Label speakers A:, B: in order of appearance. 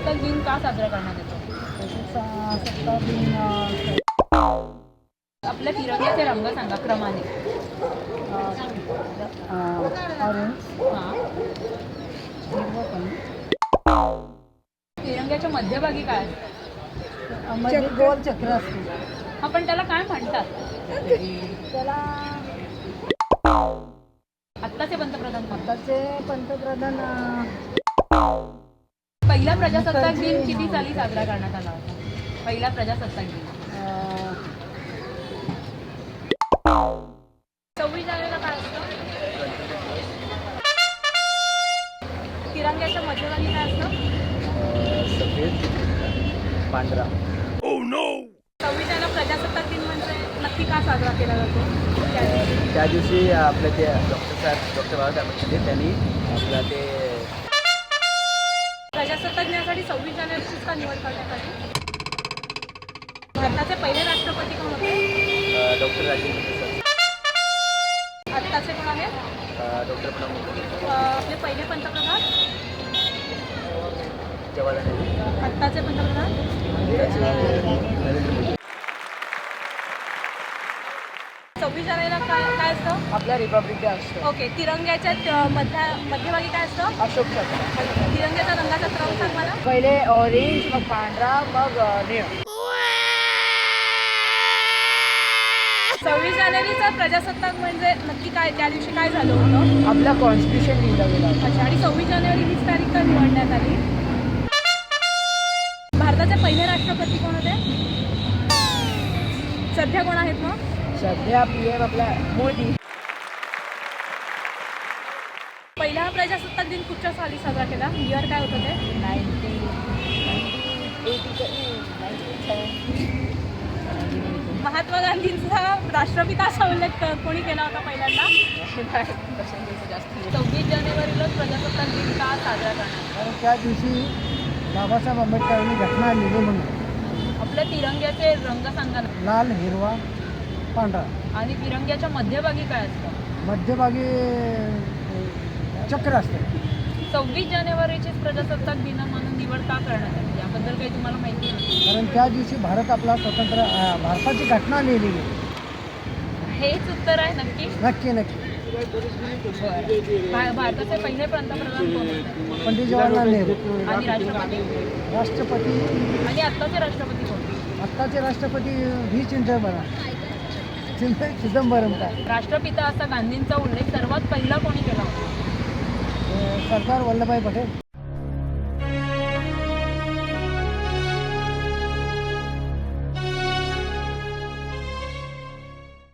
A: प्रजासत्ताक दिन का साजरा करण्यात येतो?
B: प्रजासत्ताक दिन
A: आपल्या तिरंग्याचे रंग सांगा क्रमाने.
B: ऑरेंज,
A: हां.
B: हिरवा पण,
A: तिरंग्याच्या मध्यभागी काय असतं?
B: मध्ये गोल चक्र असते.
A: हा, पण त्याला काय म्हणतात?
B: त्याला
A: आत्ताचे पंतप्रधान कोण?
B: आताचे पंतप्रधान
A: पहिला प्रजासत्ताक दिन किती साली साजरा करण्यात आला होता? पहिला प्रजासत्ताक दिन 26 जानेवारीला काय असतं? तिरंग्याच्या मध्यभागी काय असतं?
C: सफेद पांढरा.
A: 26 जानेवारी प्रजासत्ताक दिन म्हणजे नक्की का साजरा केला जातो?
C: त्या दिवशी आपलं ते डॉक्टर बाबासाहेब आंबेडकर त्यांनी आपलं ते
A: प्रजासत्ताक दिनासाठी 26 जानेवारीचीच का निवड करण्यात आली? भारताचे पहिले राष्ट्रपती कोण होते?
C: डॉक्टर राजेंद्र प्रसाद,
A: आत्ताचे कोण आहेत?
C: डॉक्टर प्रणब मुखर्जी,
A: आपले पहिले पंतप्रधान?
C: जवाहरलाल नेहरू,
A: आत्ताचे पंतप्रधान?
C: त्याचे नरेंद्र मोदी.
A: 26 जानेवारीला काय असतं?
B: आपल्या रिपब्लिक डे असतो.
A: ओके. तिरंग्याच्या मध्यभागी काय असतं?
B: अशोक चक्र.
A: तिरंग्याचा रंगाचा क्रम सांग मला.
B: पहिले ऑरेंज, मग पांढरा, मग निळा.
A: 26 जानेवारीचा प्रजासत्ताक म्हणजे नक्की काय? त्या दिवशी काय झालं होतं?
B: आपला कॉन्स्टिट्यूशन लिहिलं गेलं होतं.
A: अच्छा. आणि 26 जानेवारी हीच तारीख का निवडण्यात आली? भारताचे पहिले राष्ट्रपती कोण होते? सध्या कोण आहेत मग?
B: सध्या PM आपला मोदी.
A: पहिला प्रजासत्ताक दिन कुठच्या साली साजरा केला? इयर काय होतं ते?
B: 1970.
A: महात्मा गांधींचा राष्ट्रपिता असा उल्लेख कोणी केला होता पहिल्यांदा? 26 जानेवारीला प्रजासत्ताक दिन का साजरा करणार?
B: कारण त्या दिवशी बाबासाहेब आंबेडकरांनी घटना लिहिली म्हणून.
A: आपल्या तिरंग्याचे रंग सांगा ना.
B: लाल, हिरवा, पांढरा.
A: आणि तिरंग्याच्या मध्यभागी काय असतं?
B: मध्यभागी चक्र असतं.
A: 26 जानेवारीचीच प्रजासत्ताक दिन म्हणून निवड का करण्यात आली? याबद्दल काही तुम्हाला माहिती आहे?
B: कारण त्या दिवशी भारत आपला स्वतंत्र भारताची घटना लिहिलेली.
A: हेच उत्तर आहे नक्की?
B: नक्की नक्की.
A: भारताचे पहिले पंतप्रधान कोण होते?
B: पंडित जवाहरलाल नेहरू.
A: आणि राष्ट्रपती?
B: राष्ट्रपती
A: आणि आत्ताचे राष्ट्रपती कोण?
B: आत्ताचे राष्ट्रपती चिदंबरम काय.
A: राष्ट्रपिता असा गांधींचा उल्लेख सर्वात पहिला कोणी केला होता?
B: सरदार वल्लभभाई पटेल.